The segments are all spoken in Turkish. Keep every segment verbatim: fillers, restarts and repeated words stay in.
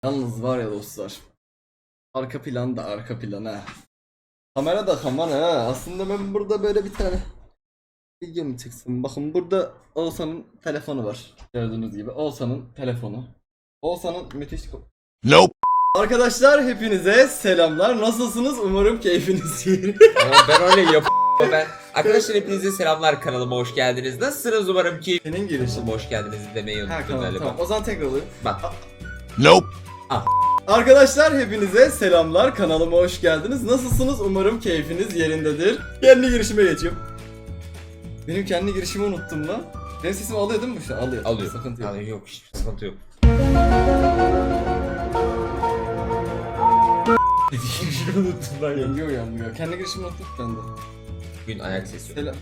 Yalnız var ya dostlar. Arka plan da arka plan ha. Kamera da kamera ha. Aslında ben burada böyle bir tane video mu çeksem? Bakın burada Oğuzhan'ın telefonu var. Gördüğünüz gibi Oğuzhan'ın telefonu. Oğuzhan'ın müthiş... Nope. Arkadaşlar hepinize selamlar. Nasılsınız? Umarım keyfiniz yerinde. Ben öyle yap. Ben arkadaşlar hepinize selamlar, kanalıma hoş geldiniz. Nasılsınız? Umarım ki Senin girişin. hoş geldiniz demeyi Ha unuttum tamam galiba. tamam. O zaman tekrar alayım. Bak. Nope. Arkadaşlar hepinize selamlar. Kanalıma hoş geldiniz. Nasılsınız? Umarım keyfiniz yerindedir. Kendi girişime geçiyorum. Benim kendi girişimi unuttum lan. Benim sesimi alıyor değil mi bu şu an? Alıyor. Alıyor. Sıkıntı yok. Alıyor, yok hiçbir sıkıntı yok. Şunu unuttum lan ya. Yenge uyanmıyor. Kendi girişimi unuttum ben de. Bugün ayak sesi. Selam.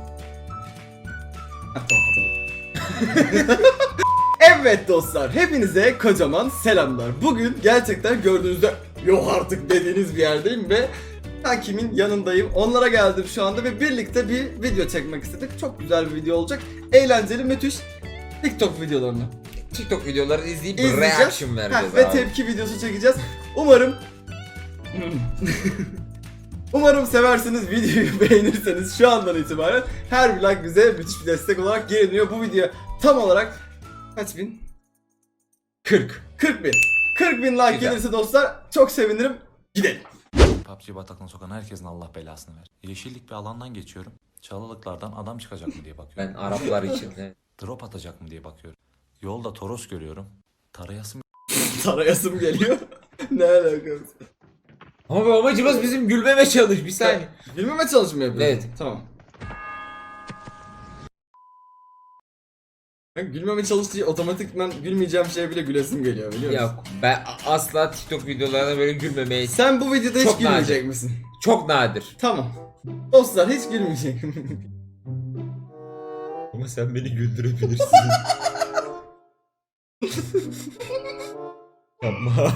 Ha, tamam hatırladım. Evet dostlar, hepinize kocaman selamlar. Bugün gerçekten gördüğünüzde yok artık dediğiniz bir yerdeyim ve kankimin yanındayım. Onlara geldim şu anda ve birlikte bir video çekmek istedik. Çok güzel bir video olacak. Eğlenceli, müthiş TikTok videolarını TikTok videoları izleyip izleyeceğiz. reaction Ha, vereceğiz ve abi. tepki videosu çekeceğiz. Umarım Umarım seversiniz, videoyu beğenirseniz şu andan itibaren her bir like bize müthiş bir destek olarak geri dönüyor. Bu video tam olarak kaç bin? kırk. kırk bin. kırk bin like Güzel. gelirse dostlar çok sevinirim. Gidelim. P U B G bataklığına sokan herkesin Allah belasını ver. Yeşillik bir alandan geçiyorum. Çalılıklardan adam çıkacak mı diye bakıyorum. Ben Araplar için. evet. Drop atacak mı diye bakıyorum. Yolda Toros görüyorum. Tarayasım Tarayasım geliyor. Ne alakası? Ama bu amacımız bizim gülmeme çalış bir saniye. Bilmeme çalışmıyor yapıyorsun. Evet. Tamam. Ben gülmeme çalıştığı otomatikman gülmeyeceğim şeye bile gülesim geliyor biliyor musun? Yok, ben asla TikTok videolarına böyle gülmemeyi... Sen bu videoda hiç Çok gülmeyecek nadir. misin? Çok nadir. Tamam. Dostlar hiç gülmeyecek. Ama sen beni güldürebilirsin. Yapma.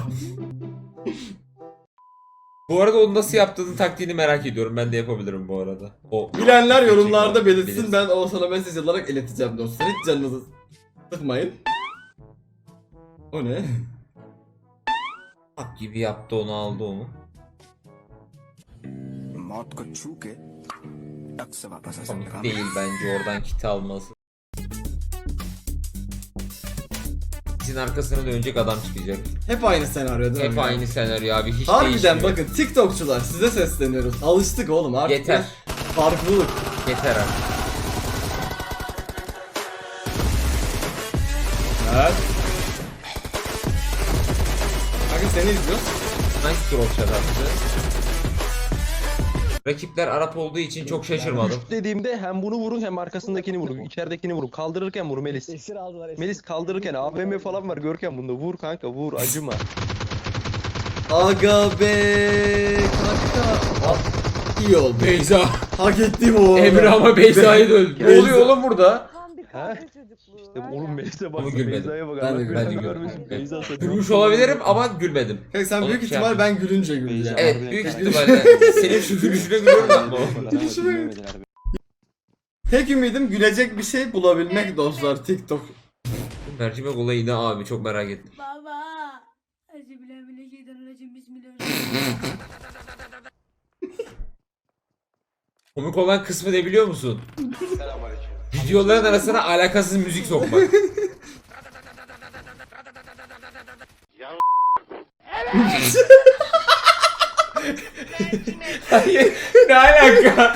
Bu arada onu nasıl yaptığını taktiğini merak ediyorum. Ben de yapabilirim bu arada. O Bilenler yorumlarda belirtsin. Belirsin. Ben o sana mesaj olarak ileteceğim dostlar. Hiç canınızı sıkmayın. O ne? Hak gibi yaptı, onu aldı onu. मौत को छू के टक से वापस आ सकता Komik değil bence oradan kit alması. Kitin arkasına dönecek adam çıkacak. Hep aynı senaryo değil mi? Hep aynı senaryo abi, hiç Harbiden değişmiyor. bakın TikTokçular size sesleniyoruz. Alıştık oğlum artık. Yeter. bir Farklılık. Yeter abi. Evet. Kanka seni izliyoruz. Nice drop shot attı. Rakipler Arap olduğu için çok şaşırmadım. Dediğimde hem bunu vurun hem arkasındakini vurun. İçeridekini vurun. Kaldırırken vur Melis. Esir aldılar esir. Melis kaldırırken A V M falan var Görkem bunda. Vur kanka vur acıma. Aga be kanka. Ah, iyi oldu. Beyza. Hak ettim o. Emre ama Beyza'yı da öldü. Ne Beyza. oluyor oğlum burada? Tam bir He? kahve çocukluğu. İşte var oğlum ya. Melis'e Ama bak. gülmedim. Beyza'ya bak. Ben de- Allah ben de belanı gülmedim. vermesin. Evet. Beyza satıyor. Gülmüş olabilirim ama gülmedim. Kanka sen Onu büyük şey ihtimal yapayım. ben gülünce güleceksin. Evet, Harbiden büyük karakter. ihtimalle senin şu gülüşüne gülüyorum ama o. Tek ümidim gülecek bir şey bulabilmek dostlar TikTok. Mercimek olayı ne abi, çok merak ettim. Baba. Euzubillahimineşşeytanirracim. Bismillahirrahmanirrahim. Komik olan kısmı ne biliyor musun? Videoların arasına alakasız müzik sokmak. Hayır, ne alaka?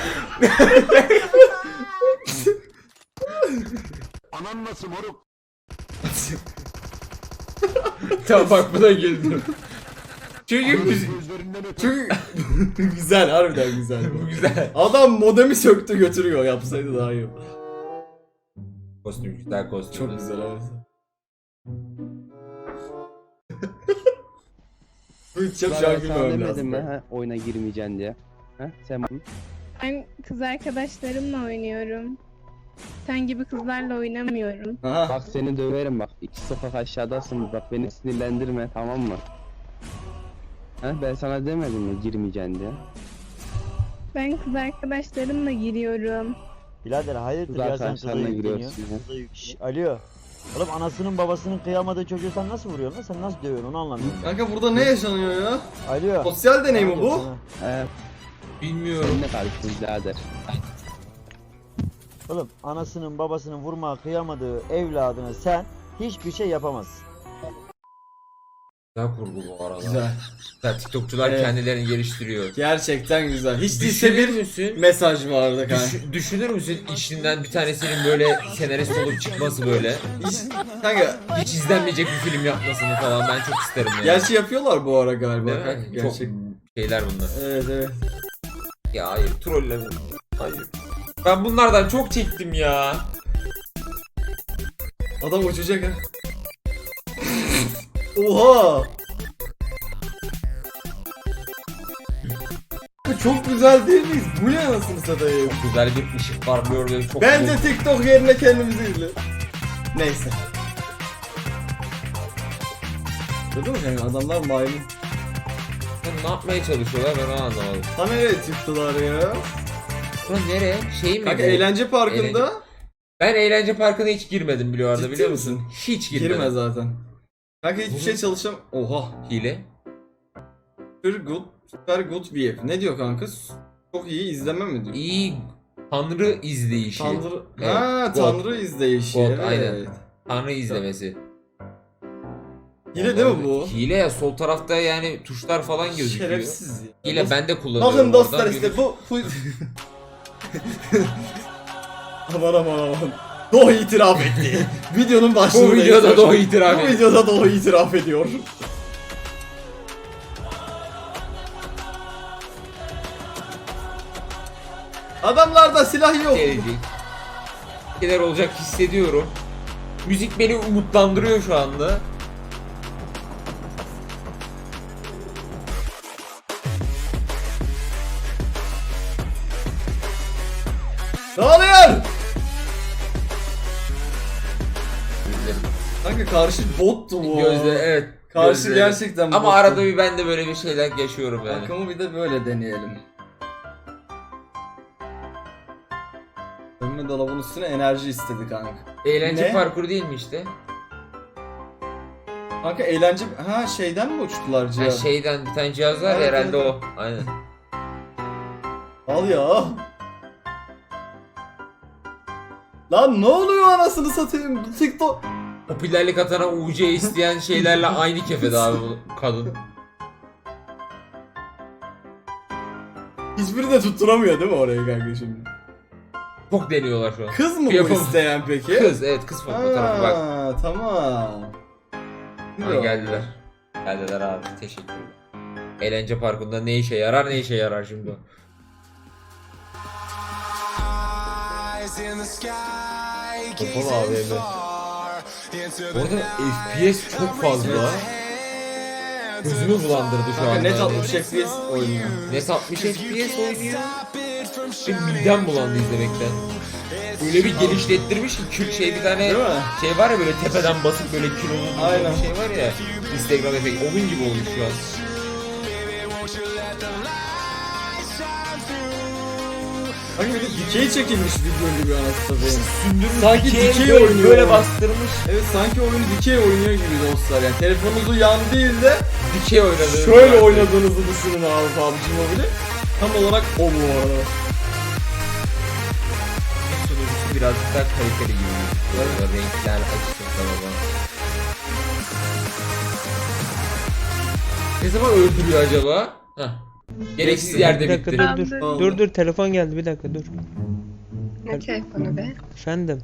Anan nasıl moruk? Tamam bak, buna güldüm. Çünkü müzik... Gözlerinden öpe. Çünkü güzel harbiden güzel. Bu güzel. Adam modemi söktü götürüyor, yapsaydı daha iyi. Kostüm, güzel kostüm. Çok güzel evet. Bu hiç yap şu an gülmemem demedim lazım. mi ha oyuna girmeyeceksin diye. Ha sen Ben kız arkadaşlarımla oynuyorum. Sen gibi kızlarla oynamıyorum. Aha. bak seni döverim bak. İki sokak aşağıdasın bak beni sinirlendirme tamam mı? Ha ben sana demedim mi girmeyeceksin diye. Ben kız arkadaşlarımla giriyorum. Birader hayırdır Kız ya sen arkadaşlarına kıza yükleniyor. giriyorsun ya. Kıza yük- Şş, Alo. Oğlum anasının babasının kıyamadığı çocuğu sen nasıl vuruyorsun lan? Sen nasıl dövüyorsun onu anlamıyorum. Kanka burada ne yaşanıyor ya? Alo. Sosyal deney mi bu? Evet. Bilmiyorum. Sen ne karıştın birader? Oğlum anasının babasının vurmaya kıyamadığı evladına sen hiçbir şey yapamazsın. Güzel kurgu bu arada. Güzel. Güzel, TikTokçular Evet. kendilerini geliştiriyor. Gerçekten güzel. Hiç değilse Düşünür bir müsün? mesaj vardı kanka. Düş- düşünür müsün içinden bir tanesinin böyle senarist olup çıkması böyle? Hiç, kanka Hiç izlenmeyecek bir film yapmasını falan ben çok isterim yani. gerçi yapıyorlar bu ara galiba Değil mi? kanka. Çok Gerçek. şeyler bunlar. Evet evet. Ya hayır trolleme. Hayır. Ben bunlardan çok çektim ya. Adam uçacak ha. Oha! Çok güzel değil miyiz? Bu ne anasını satayım? Güzel bir ışık parlıyor ve çok Bence güzel. TikTok yerine kendimizi izle. Neyse. Gördün mü kanka adamlar maymun. Ne yapmaya çalışıyorlar ben onu anlamadım. Ha nereye çıktılar ya? Lan nereye? Şey mi Kanka bu? eğlence parkında Eğlence- Ben eğlence parkına hiç girmedim biliyor arada Ciddi biliyor misin? musun? Hiç girmedim. girme zaten. Kanka hiçbir şey çalışam... Oha. Hile. Super good, super good view. Ne diyor kanka? Çok iyi izleme mi diyor? İyi Tanrı izleyişi. Tanrı... Evet, Ha God. Tanrı izleyişi. God, evet. aynen. Tanrı izlemesi. Hile değil mi bu? Hile ya sol tarafta yani tuşlar falan gözüküyor. Şerefsiz ya. Hile ben de kullanıyorum. Bakın dostlar oradan işte yürü- bu... bu... aman aman aman. Doğu itiraf etti. Videonun başlığında. Bu videoda yazıyor. Doğu itiraf Bu etti. videoda Doğu itiraf ediyor. Adamlarda silah yok. gelecek. Bir şeyler olacak hissediyorum. Müzik beni umutlandırıyor şu anda. Ne oluyor? Gözlerim. Kanka karşı bottu bu. Gözle evet. Karşı gözlerim. gerçekten Ama bottu. arada bir ben de böyle bir şeyler yaşıyorum yani. Arkamı bir de böyle deneyelim. Önüme dolabın üstüne enerji istedi kanka. Eğlence Ne? parkuru değil mi işte? Kanka eğlence... Ha şeyden mi uçtular Ha, Cihan? şeyden bir tane cihaz var ya, Evet, herhalde evet. o. Aynen. Al ya. Lan ne oluyor anasını satayım? Bu TikTok... Popülerlik atana U C isteyen şeylerle aynı kefede abi bu kadın. Hiçbiri de tutturamıyor değil mi orayı kanka şimdi? Çok deniyorlar şu an. Kız mı bu Yapam- isteyen peki? Kız evet kız fotoğrafı bak. Aa, tamam. Ha, geldiler. Geldiler abi teşekkürler. Eğlence parkında ne işe yarar ne işe yarar şimdi o. Kapalı A V M. Orada F P S çok fazla. Gözümü bulandırdı şu Kanka an. net altmış F P S oynuyor. Net altmış F P S oynuyor. Ve midem bulandı izlemekten. Öyle bir genişlettirmiş ki kül şey bir tane Değil mi? şey var ya böyle tepeden basıp böyle kilolu Aynen. bir şey var ya Instagram efekti onun gibi olmuş şu an. Kanka bir de dikey çekilmiş video gibi anasını satayım. Sündürmüş Sanki dikey dikey böyle, oynuyor. böyle bastırmış. Evet sanki oyun dikey oynuyor gibi dostlar yani. Telefonunuzu yan değil de Dikey oynadı. şöyle oynadığınızı düşünün abi P U B G Mobile. Tam olarak o bu arada. Sunucusu birazcık daha kaliteli gibi. Böyle renkler açısın falan. Ne zaman öldürüyor acaba? Heh. Gereksiz yerde Bir dakika bitti. dur dur. Oldu. Dur dur telefon geldi bir dakika dur. Ne telefonu be? Efendim.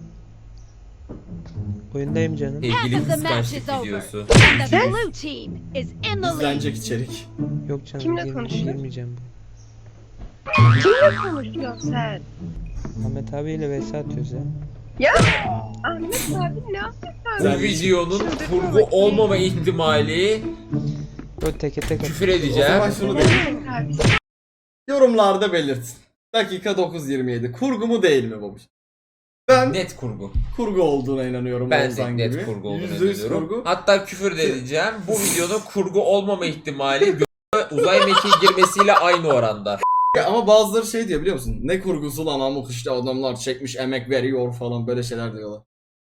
Oyundayım canım. Sevgili kıskançlık videosu. The blue team is in the lead. İzlenecek içerik. Yok canım. Kimle gir- konuşuyor? Girmeyeceğim. Kimle konuşuyorsun sen? Ahmet abiyle vs atıyoruz ya. Ya Ahmet abi ne yapıyorsun? Bu videonun kurgu olmama ihtimali O teke tek küfür O edeceğim. zaman şunu da yorumlarda belirtin. Dakika dokuz yirmi yedi. Kurgu mu değil mi babuş? Ben Net kurgu. kurgu olduğuna inanıyorum. Ben de Oğuzhan net gibi. kurgu olduğunu Yüzde yüz inanıyorum. kurgu. Hatta küfür de edeceğim. Bu videonun kurgu olmama ihtimali gö- uzay mekiği girmesiyle aynı oranda. Ya ama bazıları şey diyor biliyor musun? Ne kurgusu lan amık işte adamlar çekmiş emek veriyor falan böyle şeyler diyorlar.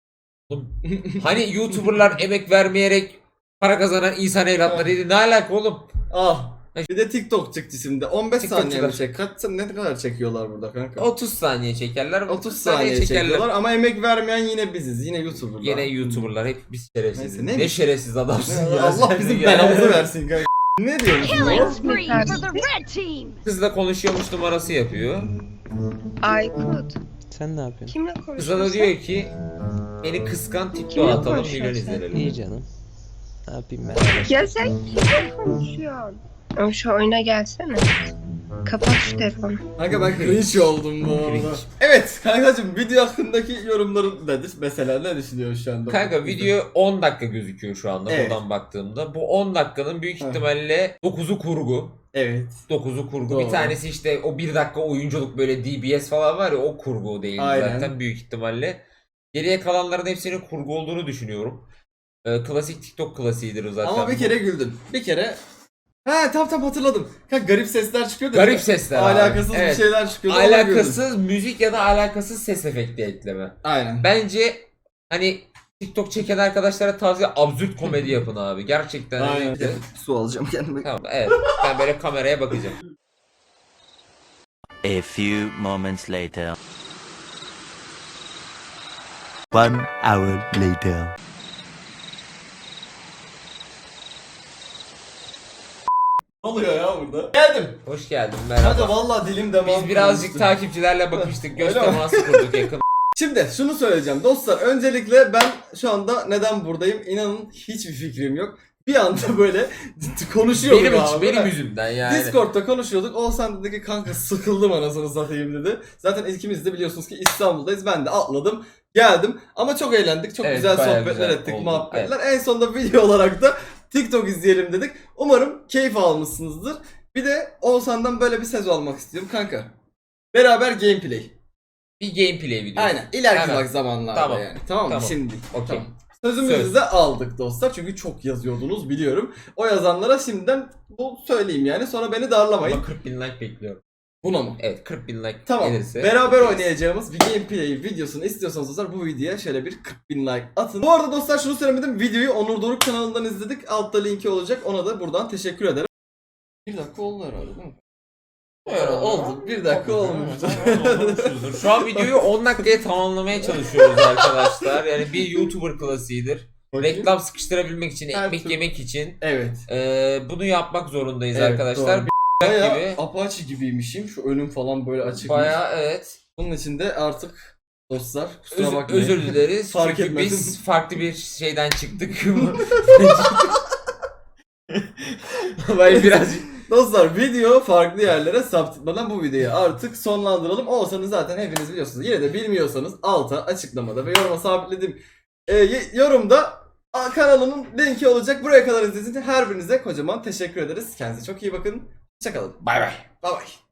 Oğlum, hani YouTuber'lar emek vermeyerek para kazanan insan evlatlarıydı. Ne alaka oğlum? Ah. Bir de TikTok çıktı şimdi. on beş saniye mi TikTokçular. çek? Kaç ne kadar çekiyorlar burada kanka? otuz saniye çekerler. otuz saniye çekiyorlar ama emek vermeyen yine biziz. Yine YouTuber'lar. Yine YouTuber'lar hep biz şerefsiziz. Neyse, Ne, ne- şerefsiz adamsın ya. Allah sen bizim de ya. belamızı versin kanka. Ne diyorsun? Killing spree for the red team. Kızla konuşuyormuş numarası yapıyor. Aykut. Sen ne yapıyorsun? Kimle Kıza konuşuyorsun? da diyor ki beni kıskan TikTok Kimle atalım milyon konuşuyorsun? izlenelim. İyi canım. Ne yapayım ben? Ya sen kimle konuşuyorsun? Ama şu oyuna gelsene. Kapat şu telefonu. Kanka ben cringe oldum bu arada. Cringe. Evet kankacım video hakkındaki yorumların nedir? Mesela ne düşünüyorsun şu anda? Kanka video on dakika gözüküyor şu anda Evet. buradan baktığımda. Bu on dakikanın büyük Hı. ihtimalle dokuzu kurgu. Evet. dokuzu kurgu. Doğru. Bir tanesi işte o bir dakika oyunculuk böyle D B S falan var ya o kurgu değil Aynen. zaten büyük ihtimalle. Geriye kalanların hepsinin kurgu olduğunu düşünüyorum. Ee, klasik TikTok klasiğidir o zaten. Ama bir bu. kere güldüm. Bir kere He tamam tamam hatırladım. Kanka garip sesler çıkıyordu. Garip sesler abi. Alakasız Evet. bir şeyler çıkıyordu. ona güldüm. Alakasız müzik ya da alakasız ses efekti ekleme. Aynen. Bence hani TikTok çeken arkadaşlara tavsiye absürt komedi yapın abi. Gerçekten. hani- Aynen. Su alacağım kendime. Tamam evet. Ben böyle kameraya bakacağım. A few moments later. One hour later. Ne oluyor ya burada? Geldim. Hoş geldin Kanka merhaba. vallahi dilim damağım Biz birazcık kurumuştu. takipçilerle bakıştık. Göz Öyle mi? teması kurduk yakın. Şimdi şunu söyleyeceğim dostlar. Öncelikle ben şu anda neden buradayım? İnanın hiçbir fikrim yok. Bir anda böyle konuşuyorduk Benim abi. için, benim yüzümden yani. Discord'da konuşuyorduk. Oğuzhan dedi ki kanka sıkıldım anasını satayım dedi. Zaten ikimiz de biliyorsunuz ki İstanbul'dayız. Ben de atladım. Geldim. Ama çok eğlendik. Çok Evet, güzel bayağı sohbetler güzel ettik. oldu. Muhabbetler. En sonunda video olarak da TikTok izleyelim dedik. Umarım keyif almışsınızdır. Bir de Oğuzhan'dan böyle bir söz almak istiyorum kanka. Beraber gameplay. Bir gameplay videosu. Aynen. İleriki Hemen. bak zamanlarda Tamam. yani. Tamam mı? Tamam. Şimdi. Okey. Tamam. Sözümüzü Söz. de aldık dostlar. Çünkü çok yazıyordunuz biliyorum. O yazanlara şimdiden bu söyleyeyim yani. Sonra beni darlamayın. Ama kırk bin like bekliyorum. Buna mı? Evet kırk bin like Tamam. gelirse. Beraber oynayacağımız bir gameplay videosunu istiyorsanız dostlar bu videoya şöyle bir kırk bin like atın. Bu arada dostlar şunu söylemedim. Videoyu Onur Doruk kanalından izledik. Altta linki olacak. Ona da buradan teşekkür ederim. Bir dakika oldu herhalde değil mi? Evet, oldu. Bir dakika olmuştu. Şu an videoyu on dakikaya tamamlamaya çalışıyoruz arkadaşlar. Yani bir YouTuber klasiğidir. Bakayım. Reklam sıkıştırabilmek için, Her ekmek türlü. yemek için Evet. eee, bunu yapmak zorundayız Evet, arkadaşlar. doğru. Bir Bayağı gibi. Apache gibiymişim. Şu önüm falan böyle açıkmış. Bayağı evet. Bunun için de artık dostlar kusura Öz- bakmayın. özür dileriz. Fark Çünkü etmedim. biz farklı bir şeyden çıktık. Böyle birazcık Dostlar video farklı yerlere saptırmadan bu videoyu artık sonlandıralım. Olsanız zaten hepiniz biliyorsunuz. Yine de bilmiyorsanız alta açıklamada ve yoruma sabitledim. Ee, y- yorumda a, kanalımın linki olacak. Buraya kadar izlediğiniz için her birinize kocaman teşekkür ederiz. Kendinize çok iyi bakın. Hoşçakalın. bay bay. Bay bay.